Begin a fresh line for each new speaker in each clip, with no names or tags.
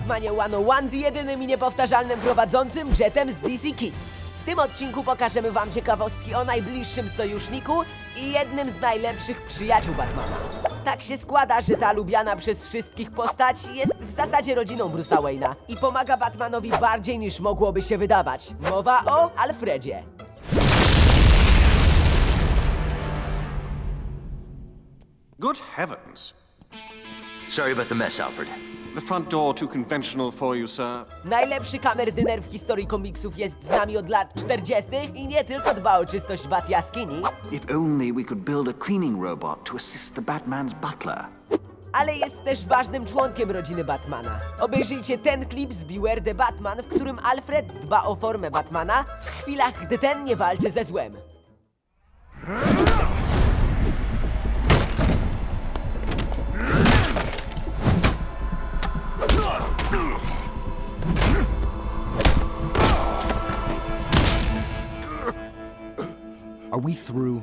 Batmanie 101 z jedynym i niepowtarzalnym prowadzącym Jetem z DC Kids. W tym odcinku pokażemy wam ciekawostki o najbliższym sojuszniku i jednym z najlepszych przyjaciół Batmana. Tak się składa, że ta lubiana przez wszystkich postać jest w zasadzie rodziną Bruce'a Wayne'a i pomaga Batmanowi bardziej niż mogłoby się wydawać. Mowa o Alfredzie.
Good heavens!
Sorry about the mess, Alfred.
The front door too conventional for you, sir.
Najlepszy kamerdyner w historii komiksów jest z nami od lat 40. i nie tylko dba o czystość Bat jaskini,
If only we could build a cleaning robot to assist the Batman's butler.
ale jest też ważnym członkiem rodziny Batmana. Obejrzyjcie ten klip z Beware the Batman, w którym Alfred dba o formę Batmana w chwilach, gdy ten nie walczy ze złem.
Are we through?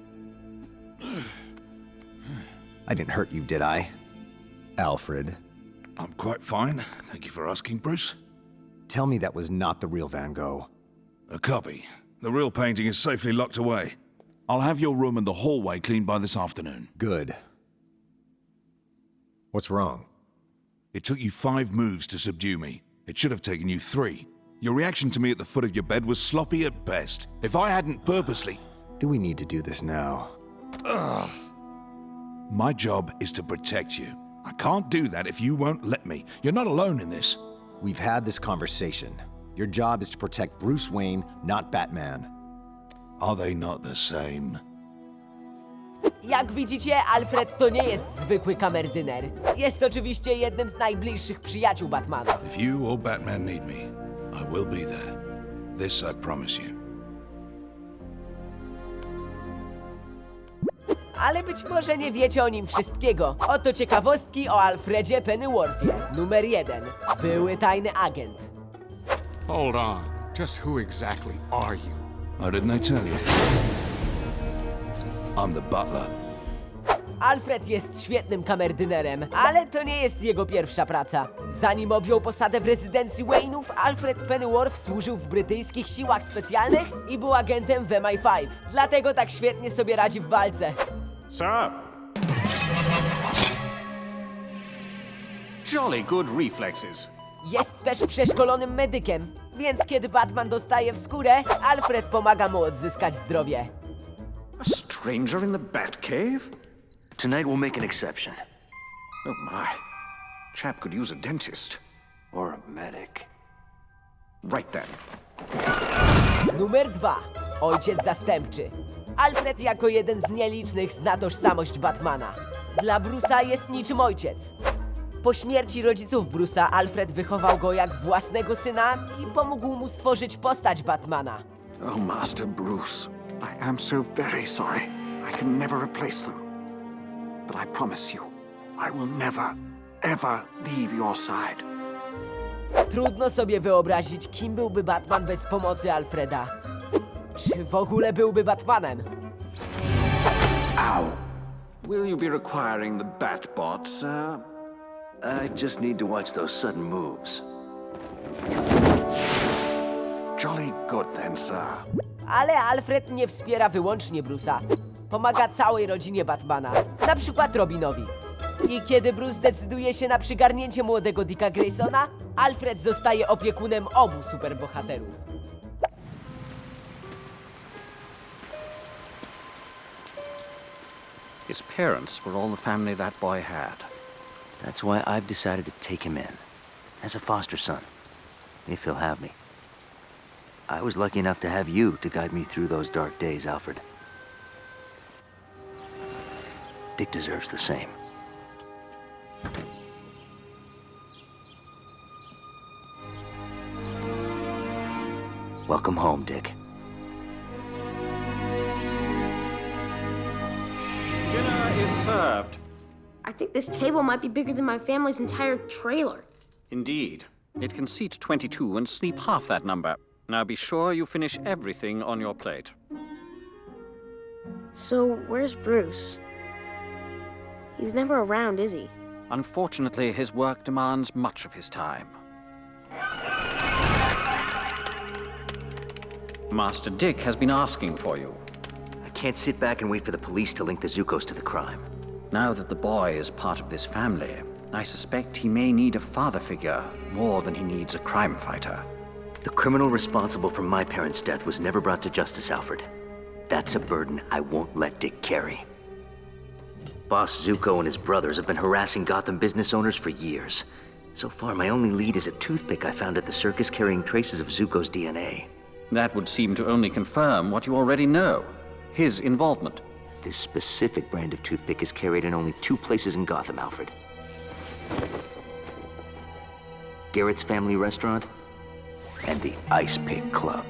I didn't hurt you, did I? Alfred,
I'm quite fine. Thank you for asking, Bruce.
tell me that was not the real Van Gogh.
A copy. The real painting is safely locked away. I'll have your room and the hallway cleaned by this afternoon.
Good. What's wrong?
It took you 5 moves to subdue me. It should have taken you 3. Your reaction to me at the foot of your bed was sloppy at best. If I hadn't purposely...
Do we need to do this now?
My job is to protect you. I can't do that if you won't let me. You're not alone in this.
We've had this conversation. Your job is to protect Bruce Wayne, not Batman.
Are they not the same?
Jak widzicie, Alfred to nie jest zwykły kamerdyner. Jest oczywiście jednym z najbliższych przyjaciół Batmana.
If you or Batman need me, I will be there. This I promise you.
Ale być może nie wiecie o nim wszystkiego. Oto ciekawostki o Alfredzie Pennyworthie. Numer 1. Były tajny agent.
Hold on. Just who exactly are you?
Oh, didn't I tell you? I'm the butler.
Alfred jest świetnym kamerdynerem, ale to nie jest jego pierwsza praca. Zanim objął posadę w rezydencji Wayne'ów, Alfred Pennyworth służył w brytyjskich siłach specjalnych i był agentem w MI5. Dlatego tak świetnie sobie radzi w walce.
Sir! Jolly good reflexes.
Jest też przeszkolonym medykiem, więc kiedy Batman dostaje w skórę, Alfred pomaga mu odzyskać zdrowie.
A stranger in the Batcave?
Tonight we'll make an exception.
Oh my. Chap could use a dentist.
Or a medic.
Right then.
Numer 2. Ojciec zastępczy. Alfred jako jeden z nielicznych zna tożsamość Batmana. Dla Bruce'a jest niczym ojciec. Po śmierci rodziców Bruce'a, Alfred wychował go jak własnego syna i pomógł mu stworzyć postać Batmana.
Oh, Master Bruce, I am so very sorry. I can never replace them. But I promise you, I will never, ever leave your side.
Trudno sobie wyobrazić, kim byłby Batman bez pomocy Alfreda. Czy w ogóle byłby Batmanem?
Will you be requiring the Batbot, sir?
I just need to watch those sudden moves.
Jolly good then, sir.
Ale Alfred nie wspiera wyłącznie Bruce'a. Pomaga całej rodzinie Batmana, na przykład Robinowi. I kiedy Bruce decyduje się na przygarnięcie młodego Dicka Graysona, Alfred zostaje opiekunem obu superbohaterów.
His parents were all the family that boy had.
That's why I've decided to take him in. As a foster son. If he'll have me. I was lucky enough to have you to guide me through those dark days, Alfred. Dick deserves the same. Welcome home, Dick.
Dinner is served.
I think this table might be bigger than my family's entire trailer.
Indeed. It can seat 22 and sleep half that number. Now be sure you finish everything on your plate.
So, where's Bruce? He's never around, is he?
Unfortunately, his work demands much of his time. Master Dick has been asking for you.
I can't sit back and wait for the police to link the Zukos to the crime.
Now that the boy is part of this family, I suspect he may need a father figure more than he needs a crime fighter.
The criminal responsible for my parents' death was never brought to justice, Alfred. That's a burden I won't let Dick carry. Boss Zuko and his brothers have been harassing Gotham business owners for years. So far, my only lead is a toothpick I found at the circus carrying traces of Zuko's DNA.
That would seem to only confirm what you already know. His involvement.
This specific brand of toothpick is carried in only 2 places in Gotham, Alfred. Garrett's Family Restaurant and the Ice Pick Club.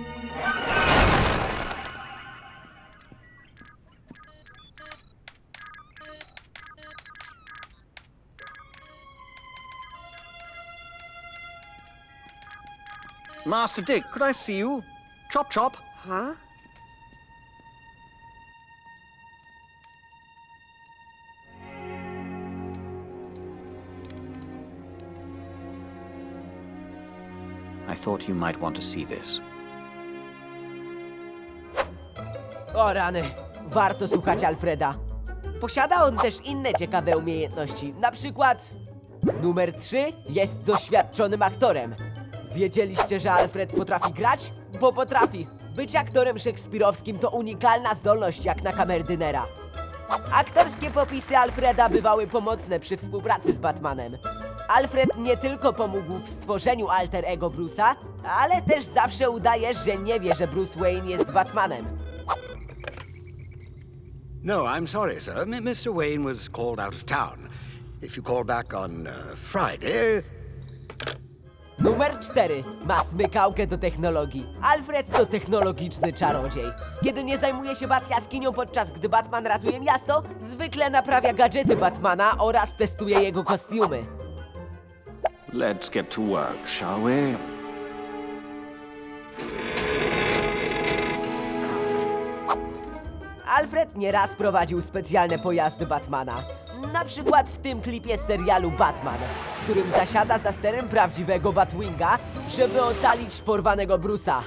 Master Dick, could I see you? Chop chop.
Huh?
I thought you might want to see this.
O rany, warto słuchać Alfreda. Posiada on też inne ciekawe umiejętności. Na przykład numer 3 jest doświadczonym aktorem. Wiedzieliście, że Alfred potrafi grać? Bo potrafi. Być aktorem szekspirowskim to unikalna zdolność jak na kamerdynera. Aktorskie popisy Alfreda bywały pomocne przy współpracy z Batmanem. Alfred nie tylko pomógł w stworzeniu alter ego Bruce'a, ale też zawsze udaje, że nie wie, że Bruce Wayne jest Batmanem.
No, I'm sorry, sir. Mr. Wayne was called out of town. If you call back on Friday...
Numer 4. Ma smykałkę do technologii. Alfred to technologiczny czarodziej. Kiedy nie zajmuje się Bat-jaskinią, podczas gdy Batman ratuje miasto, zwykle naprawia gadżety Batmana oraz testuje jego kostiumy.
Let's get to work, shall we?
Alfred nieraz prowadził specjalne pojazdy Batmana. Na przykład w tym klipie z serialu Batman, w którym zasiada za sterem prawdziwego Batwinga, żeby ocalić porwanego Bruce'a.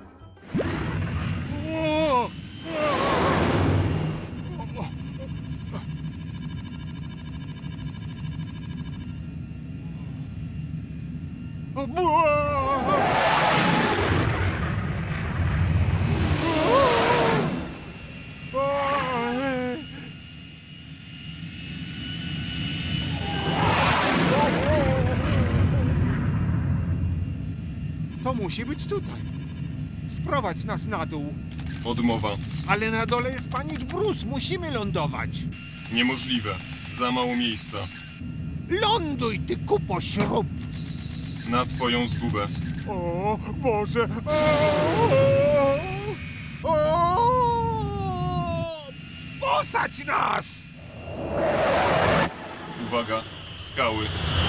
To musi być tutaj. Sprowadź nas na dół.
Odmowa.
Ale na dole jest panicz Bruce. Musimy lądować.
Niemożliwe. Za mało miejsca.
Ląduj, ty kupo śrub.
Na twoją zgubę.
O Boże. Posadź nas!
Uwaga. Skały.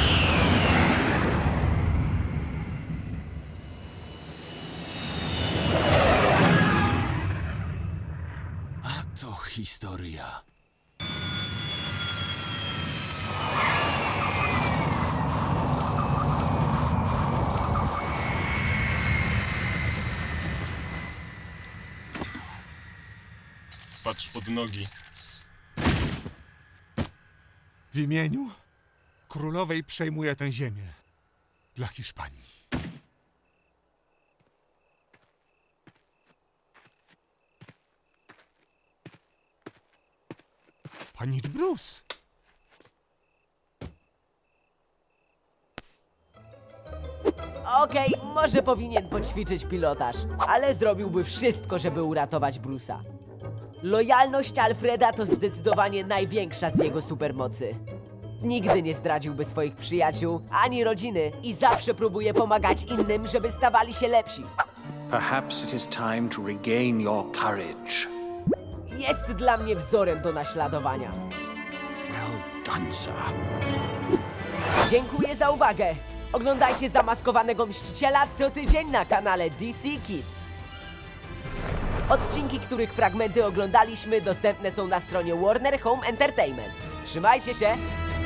A to historia.
Patrz pod nogi.
W imieniu królowej przejmuję tę ziemię. Dla Hiszpanii. Panicz Bruce.
Okej, może powinien poćwiczyć pilotaż, ale zrobiłby wszystko, żeby uratować Bruce'a. Lojalność Alfreda to zdecydowanie największa z jego supermocy. Nigdy nie zdradziłby swoich przyjaciół ani rodziny i zawsze próbuje pomagać innym, żeby stawali się lepsi.
Perhaps it is time to regain your courage.
Jest dla mnie wzorem do naśladowania.
Well done, sir.
Dziękuję za uwagę. Oglądajcie Zamaskowanego Mściciela co tydzień na kanale DC Kids. Odcinki, których fragmenty oglądaliśmy, dostępne są na stronie Warner Home Entertainment. Trzymajcie się!